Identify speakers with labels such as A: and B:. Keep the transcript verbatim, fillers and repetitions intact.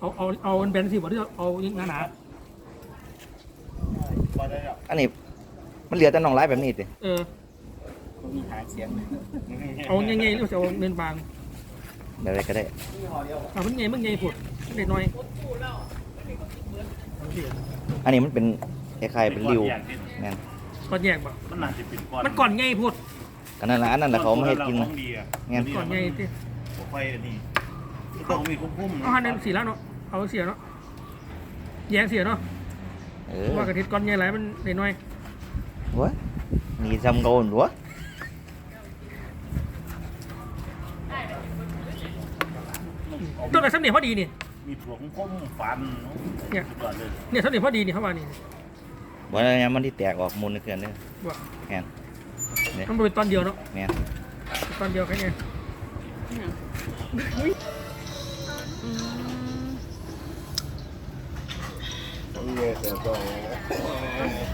A: เอาเอาเอามันแบนสิบ่ที่เอาหนาหนา
B: อันนี้มันเหลือแต่น่องร้ายแบบนี้สิ
A: เออ
C: มีหางเสียง
A: เอาใหญ่ๆหรือจะเอาเนินบาง
B: แบบไรก็ได้
A: เอามันใหญ่มันใหญ่ผุดเด็กน้อย
B: อันนี้มันเป็นคล้ายๆเป็นริวแม่น
A: ก่อนแยกบ่
C: มันน่าจะเป็นก้อน
A: มันก่อนใหญ่ผุด
B: กันนั่นแหละอันนั้นแหละเขาไม่ให้กิน
C: ข
B: นะ
C: องดีอ่ะ
B: งั้น
A: ก่อนใหญ่ที่
C: ผมไปอันนี้ต้องมีคุ้มๆ
A: เอาหันนั้นสีแล้วเนาะเอาเสียเนาะแยงเสียเนาะ
B: เออ
A: ว่ากระติดก่อนใหญ่หลายมันเด็กน้อยว
B: ะมีจำโกนวะ
A: ต้นอะไรสักเนี่ยพอดีนี่
C: มีถั่วคุ้มๆฟันเนี่ยสุดยอดเลย
A: เนี่ยสักเนี่ยพอดีนี่เขาว่านี่
B: วันนี้มันที่แตกออกมูลในเขื่อนเนี่ย
A: ว่า
B: แม่นเนี่ย
A: มันเป็นตอนเดียวเนาะ
B: แม่น
A: ตอนเดียวแค่ไง
D: เงี้ยแต่ต้อง